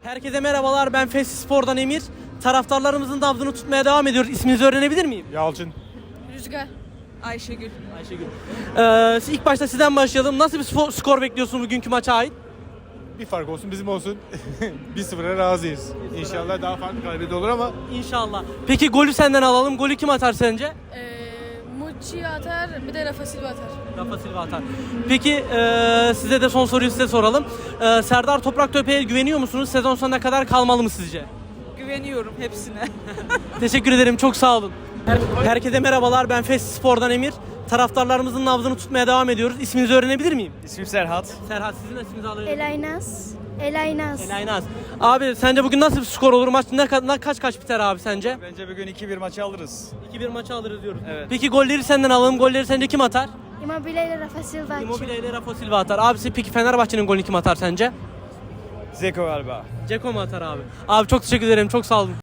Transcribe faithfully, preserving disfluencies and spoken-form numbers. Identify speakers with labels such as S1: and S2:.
S1: Herkese merhabalar, ben Fesli Spor'dan Emir. Taraftarlarımızın nabzını tutmaya devam ediyoruz. İsminizi öğrenebilir miyim?
S2: Yalçın.
S3: Rüzgar. Ayşegül.
S1: Ayşegül. Ee, ilk başta sizden başlayalım. Nasıl bir spor, skor bekliyorsun bugünkü maça ait?
S2: Bir fark olsun bizim olsun. bir sıfıra razıyız. İnşallah daha farklı galibiyet olur ama
S1: İnşallah. Peki golü senden alalım. Golü kim atar sence?
S3: Ee, Mucci atar, bir de Rafa Silva atar.
S1: Rafa Silva atar. Peki ee, size de son soruyu size soralım. Ee, Serdar Topraktepe'ye güveniyor musunuz? Sezon sonuna kadar kalmalı mı sizce?
S3: Güveniyorum hepsine.
S1: Teşekkür ederim. Çok sağ olun. Herkese merhabalar. Ben Fesli Spor'dan Emir. Taraftarlarımızın nabzını tutmaya devam ediyoruz. İsminizi öğrenebilir miyim?
S4: İsmim Serhat.
S1: Serhat, sizin isminizi alabilir miyim?
S5: Elaynaz. Elaynaz.
S1: Elaynaz. Abi sence bugün nasıl bir skor olur? Maç ne, ka- ne- kaç kaç biter abi sence?
S4: Bence bugün iki bir maçı alırız.
S1: iki bir maçı alırız diyoruz.
S4: Evet.
S1: Peki golleri senden alalım. Golleri sence kim atar?
S5: Immobile ile Rafa Silva atacak.
S1: Immobile ile Rafa Silva atar. Abisi peki Fenerbahçe'nin golünü kim atar sence?
S4: Zeko galiba.
S1: Ceko mu atar abi? Abi çok teşekkür ederim. Çok sağ olun.